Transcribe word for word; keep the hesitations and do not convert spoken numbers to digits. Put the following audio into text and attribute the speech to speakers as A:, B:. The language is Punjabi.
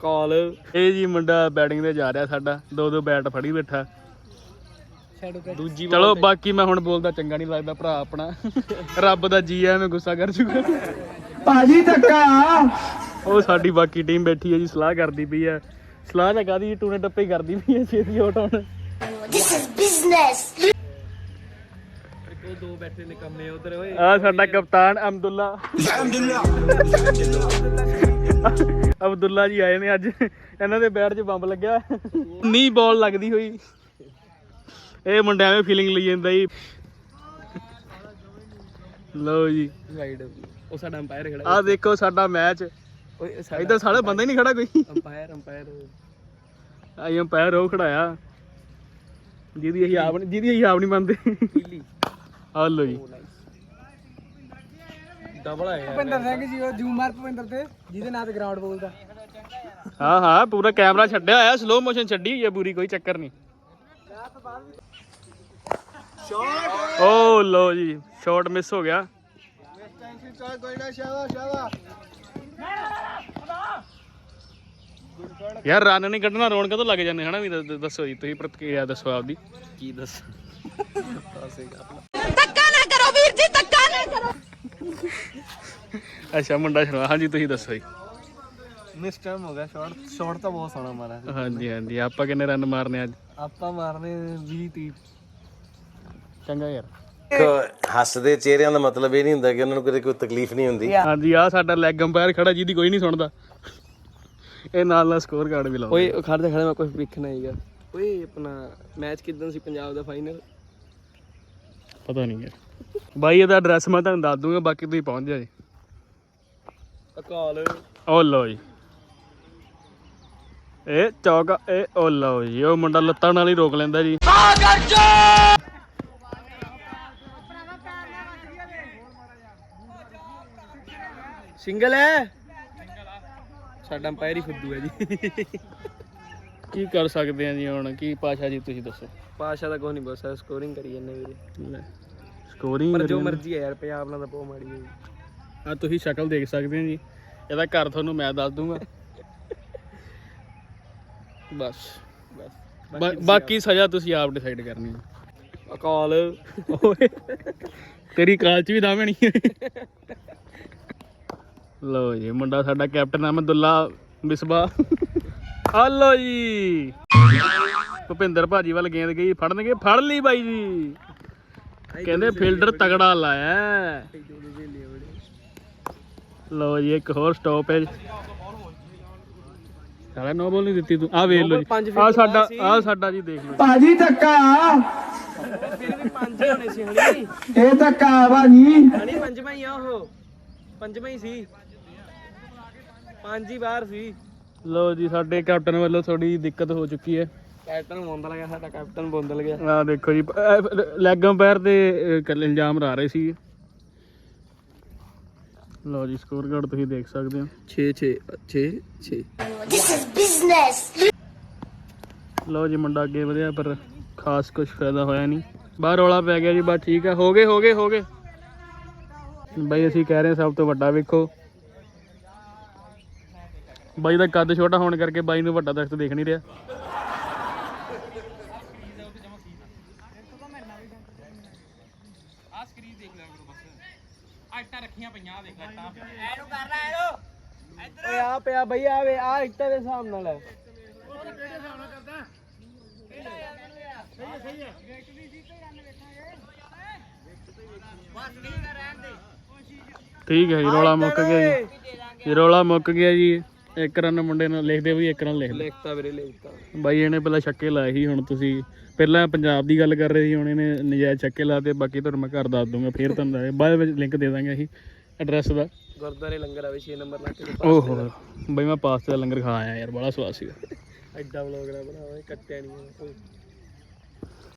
A: ਅਕਾਲ ਇਹ ਜੀ ਮੁੰਡਾ ਬੈਟਿੰਗ ਤੇ ਜਾ ਰਿਹਾ ਸਾਡਾ ਦੋ ਦੋ ਬੈਟ ਫੜੀ ਬੈਠਾ ਦੂਜੀ ਚਲੋ ਬਾਕੀ ਮੈਂ ਹੁਣ ਬੋਲਦਾ ਚੰਗਾ ਨਹੀਂ ਲੱਗਦਾ ਭਰਾ ਆਪਣਾ ਰੱਬ ਦਾ ਜੀ ਐ ਮੈਂ ਗੁੱਸਾ ਕਰ ਚੁੱਕਾ ਭਾਜੀ ਧੱਕਾ ਉਹ ਸਾਡੀ ਬਾਕੀ ਟੀਮ ਬੈਠੀ ਹੈ ਜੀ ਸਲਾਹ ਕਰਦੀ ਪਈ ਹੈ ਸਲਾਹ ਤਾਂ ਕਾਹਦੀ ਟੂਨੇ ਟੱਪੇ ਕਰਦੀ ਪਈ ਹੈ ਛੇਤੀ ਆਊਟ ਹੁਣ ਦਿਸ ਇਜ਼ ਬਿਜ਼ਨਸ ਉਹ ਦੋ ਬੈਠੇ ਨੇ ਕੰਮੇ ਉਧਰ ਓਏ ਆ ਸਾਡਾ ਕਪਤਾਨ ਅਬਦੁੱਲਾ ਅਬਦੁੱਲਾ ਜੀ ਆਏ ਨੇ ਅੱਜ ਇਹਨਾਂ ਦੇ ਬੈਟ 'ਚ ਬੰਬ ਲੱਗਿਆ ਨੀ ਬਾਲ ਲੱਗਦੀ ਹੋਈ ਇਹ ਮੁੰਡਿਆਂ ਐਵੇਂ ਫੀਲਿੰਗ ਲਈ ਜਾਂਦਾ ਜੀ ਲਓ ਜੀ ਉਹ ਸਾਡਾ ਅੰਪਾਇਰ ਖੜਾ ਆ ਦੇਖੋ ਸਾਡਾ ਮੈਚ ਓਏ ਇੱਧਰ ਸਾਡਾ ਬੰਦਾ ਹੀ ਨਹੀਂ ਖੜਾ ਕੋਈ ਅੰਪਾਇਰ ਅੰਪਾਇਰ ਆਈ ਅੰਪਾਇਰ ਉਹ ਖੜਾਇਆ ਜਿਹਦੀ ਅਸੀਂ ਆਪ ਜਿਹਦੀ ਅਸੀਂ ਆਪ ਨਹੀਂ ਮੰਨਦੇ ਆ ਲਓ ਜੀ ਡਬਲ ਆਇਆ ਭੁਪਿੰਦਰ ਸਿੰਘ ਜੀ ਉਹ ਜੂਮ ਮਾਰ ਭੁਪਿੰਦਰ ਤੇ ਜਿਹਦੇ ਨਾਂ ਤੇ ਗਰਾਊਂਡ ਬੋਲਦਾ ਹਾਂ ਹਾਂ ਪੂਰਾ ਕੈਮਰਾ ਛੱਡਿਆ ਹੋਇਆ ਸਲੋ ਮੋਸ਼ਨ ਛੱਡੀ ਹੋਈ ਹੈ ਪੂਰੀ ਕੋਈ ਚੱਕਰ ਨਹੀਂ ਓ ਲੋ ਜੀ ਸ਼ਾਟ ਮਿਸ ਹੋ ਗਿਆ ਯਾਰ ਰਨ ਨਹੀਂ ਕੱਢਣਾ ਰੌਣਕਾਂ ਤੋਂ ਲੱਗ ਜਾਂਦੇ ਹਨਾ ਵੀ ਦੱਸੋ ਜੀ ਤੁਸੀਂ ਪ੍ਰਤੀਕਿਰਿਆ ਦੱਸੋ ਆਪਦੀ ਕੀ ਦੱਸ ਧੱਕਾ ਨਾ ਕਰੋ ਵੀਰ ਜੀ ਧੱਕਾ ਨਾ ਕਰੋ ਅੱਛਾ ਮੁੰਡਾ ਸ਼ਰਮਾ ਹਾਂਜੀ ਤੁਸੀਂ ਦੱਸੋ ਜੀ ਮਿਸ ਟਾਈਮ ਹੋ ਗਿਆ ਸ਼ਾਟ ਸ਼ਾਟ ਤਾਂ ਬਹੁਤ ਸੋਹਣਾ ਮਾਰਿਆ ਹਾਂਜੀ ਹਾਂਜੀ ਆਪਾਂ ਕਿੰਨੇ ਰਨ ਮਾਰਨੇ ਅੱਜ ਆਪਾਂ ਮਾਰਨੇ ਵੀਹ ਤੀਹ ਚੰਗਾ ਯਾਰ
B: ਹੱਸਦੇ ਚਿਹਰਿਆਂ ਦਾ ਮਤਲਬ ਇਹ ਨਹੀਂ ਹੁੰਦਾ ਕਿ ਉਹਨਾਂ ਨੂੰ ਕਦੇ ਕੋਈ ਤਕਲੀਫ ਨਹੀਂ ਹੁੰਦੀ
A: ਹਾਂਜੀ ਆ ਸਾਡਾ ਲੈਗ ਅੰਪਾਇਰ ਖੜਾ ਜਿਹਦੀ ਕੋਈ ਨਹੀਂ ਸੁਣਦਾ ਇਹ ਨਾਲ ਨਾਲ ਸਕੋਰ ਕਾਰਡ ਵੀ ਲਾਉਂਦਾ ਓਏ ਖੜਦੇ ਖੜੇ ਮੈਂ ਕੁਝ ਵੇਖਣਾ ਹੀਗਾ ਓਏ ਆਪਣਾ ਮੈਚ ਕਿਦਾਂ ਸੀ ਪੰਜਾਬ ਦਾ ਫਾਈਨਲ ਪਤਾ ਨਹੀਂ ਯਾਰ ਬਾਈ ਇਹਦਾ ਐਡਰੈਸ ਮੈਂ ਤੁਹਾਨੂੰ ਦੱਸ ਦੂੰਗਾ ਬਾਕੀ ਤੁਸੀਂ ਪਹੁੰਚ ਜਾਓ ਜੀ ਅਕਾਲ ਓ ਲਓ ਜੀ ਇਹ ਚੌਕ ਇਹ ਓ ਲਓ ਜੀ ਉਹ ਮੁੰਡਾ ਲੱਤਾਂ ਨਾਲ ਹੀ ਰੋਕ ਲੈਂਦਾ ਜੀ ਸਿੰਗਲ ਹੈ ਸਾਡਾ ਅੰਪਾਇਰ ਹੀ ਫੁੱਦੂ ਹੈ ਜੀ ਕੀ ਕਰ ਸਕਦੇ ਆ ਜੀ ਹੁਣ ਕੀ ਪਾਸ਼ਾ ਜੀ ਤੁਸੀਂ ਦੱਸੋ ਪਾਸ਼ਾ ਦਾ ਕੁਝ ਨਹੀਂ ਬਸ ਸਕੋਰਿੰਗ ਕਰੀ ਜਾਂਦੇ ਵੀਰੇ ਸਕੋਰਿੰਗ ਪਰ ਜੋ ਮਰਜ਼ੀ ਹੈ ਯਾਰ ਪੰਜਾਬ ਨਾਲ ਤਾਂ ਬਹੁਤ ਮਾੜੀ ਹੈ ਆ ਤੁਸੀਂ ਸ਼ਕਲ ਦੇਖ ਸਕਦੇ ਆ ਜੀ ਇਹਦਾ ਘਰ ਤੁਹਾਨੂੰ ਮੈਂ ਦੱਸ ਦੂੰਗਾ ਬਸ ਬਸ ਬਾਕੀ ਸਜ਼ਾ ਤੁਸੀਂ ਆਪ ਡਿਸਾਈਡ ਕਰਨੀ ਹੈ ਅਕਾਲ ਓਏ ਤੇਰੀ ਕਾਲ ਚ ਵੀ ਦਾਵੇਂ ਨਹੀਂ ਲਓ ਜੀ ਮੁੰਡਾ ਸਾਡਾ ਕੈਪਟਨ ਅਹਿਮਦੁੱਲਾ ਮਿਸਬਾ ਆ ਲਓ ਜੀ ਭੁਪਿੰਦਰ ਭਾਜੀ ਵੱਲ ਗੇਂਦ ਗਈ ਫੜਨਗੇ ਫੜ ਲਈ ਬਾਈ ਜੀ ਕਹਿੰਦੇ ਫੀਲਡਰ ਤਗੜਾ ਲਾਇਆ ਲਓ ਜੀ ਇੱਕ ਹੋਰ ਸਟਾਪੇਜ ਸਾਲਾ ਨੋ ਬੋਲ ਨਹੀਂ ਦਿੱਤੀ ਤੂੰ ਆ ਵੇਖ ਲਓ ਜੀ ਆ ਸਾਡਾ ਆ ਸਾਡਾ ਜੀ ਦੇਖ ਲਓ ਭਾਜੀ ਧੱਕਾ ਫਿਰ ਵੀ ਪੰਜ ਹੋਣੇ ਸੀ ਹਣੀ ਇਹ ਧੱਕਾ ਭਾਜੀ ਹਣੀ ਪੰਜਵਾਂ ਹੀ ਆ ਉਹ ਪੰਜਵਾਂ ਹੀ ਸੀ ਪੰਜ ਹੀ ਬਾਹਰ ਸੀ ਲੋ ਜੀ ਸਾਡੇ ਕੈਪਟਨ ਵੱਲੋਂ ਥੋੜੀ ਦਿੱਕਤ ਹੋ ਚੁੱਕੀ ਹੈ ਕੈਪਟਨ ਬੋਂਦਲ ਗਿਆ ਸਾਡਾ ਕੈਪਟਨ ਬੋਂਦਲ ਗਿਆ ਆ ਦੇਖੋ ਜੀ ਲੈਗ ਅੰਪਾਇਰ ਤੇ ਇਲਜ਼ਾਮ ਲਾ ਰਹੇ ਸੀ ਲੋ ਜੀ ਸਕੋਰ ਕਾਰਡ ਤੁਸੀਂ ਦੇਖ ਸਕਦੇ ਹੋ ਛੇ ਛੇ ਛੇ ਛੇ ਦਿਸ ਇਜ਼ ਬਿਜ਼ਨਸ ਲੋ ਜੀ ਮੁੰਡਾ ਅੱਗੇ ਵਧਿਆ ਪਰ ਖਾਸ ਕੁਝ ਫਾਇਦਾ ਹੋਇਆ ਨਹੀਂ ਬਾਹਰ ਰੌਲਾ ਪੈ ਗਿਆ ਜੀ ਬਸ ਠੀਕ ਹੈ ਹੋ ਗਏ ਹੋ ਗਏ ਹੋ ਗਏ ਬਾਈ ਅਸੀਂ ਕਹਿ ਰਹੇ ਸਭ ਤੋਂ ਵੱਡਾ ਵੇਖੋ ਬਾਈ ਦਾ ਕੱਦ ਛੋਟਾ ਹੋਣ ਕਰਕੇ ਬਾਈ ਨੂੰ ਵੱਡਾ ਦਰਖਤ ਦੇਖ ਨਹੀਂ ਰਿਹਾ ਆ ਸਕਰੀਨ ਦੇਖ ਲਿਆ ਕਰੋ ਬਸ ਆ ਇੱਟਾਂ ਰੱਖੀਆਂ ਪਈਆਂ ਦੇਖ ਲੈ ਇੱਟਾਂ ਐਨੂੰ ਕਰ ਲੈ ਇਹਨੂੰ ਇੱਧਰ ਓਏ ਆ ਪਿਆ ਬਈ ਆਵੇ ਆ ਇੱਟਾਂ ਦੇ ਹਿਸਾਬ ਨਾਲ ਹੈ ਉਹ ਕਿਹੜੇ ਹਿਸਾਬ ਨਾਲ ਕਰਦਾ ਸਹੀ ਹੈ ਸਹੀ ਹੈ ਵਿਕਟ ਦੀ ਸੀ ਤੇ ਰਨ ਵੇਖਾਂਗੇ ਬਸ ਨਹੀਂ ਕਰ ਰਹਿਣ ਦੇ ਠੀਕ ਹੈ ਜੀ ਰੌਲਾ ਮੁੱਕ ਗਿਆ ਜੀ ਰੌਲਾ ਮੁੱਕ ਗਿਆ ਜੀ ਇੱਕ ਰਨ ਮੁੰਡੇ ਨਾਲ ਲਿਖਦੇ ਵੀ ਇੱਕ ਰਨ ਲਿਖ ਲਿਖਤਾ ਵੀਰੇ ਲਿਖਤਾ ਬਾਈ ਇਹਨੇ ਪਹਿਲਾਂ ਛੱਕੇ ਲਾਏ ਸੀ ਹੁਣ ਤੁਸੀਂ ਪਹਿਲਾਂ ਪੰਜਾਬ ਦੀ ਗੱਲ ਕਰ ਰਹੇ ਸੀ ਹੁਣ ਇਹਨੇ ਨਜਾਇਜ਼ ਛੱਕੇ ਲਾਤੇ ਬਾਕੀ ਤੁਹਾਨੂੰ ਮੈਂ ਘਰ ਦੱਸ ਦੂੰਗਾ ਫੇਰ ਤੁਹਾਨੂੰ ਬਾਅਦ ਵਿੱਚ ਲਿੰਕ ਦੇ ਦਾਂਗੇ ਅਸੀਂ ਐਡਰੈਸ ਦਾ ਗੁਰਦੁਆਰੇ ਲੰਗਰ ਆਵੇ ਛੇ ਨੰਬਰ ਲਾ ਕੇ ਓਹੋ ਬਾਈ ਮੈਂ ਪਾਸਤੇ ਦਾ ਲੰਗਰ ਖਾ ਆਇਆ ਯਾਰ ਬੜਾ ਸਵਾਦ ਸੀਗਾ ਐਡਾ ਵਲੋਗ ਨਾ ਬਣਾਵਾਂ ਕੱਟਿਆ ਨਹੀਂ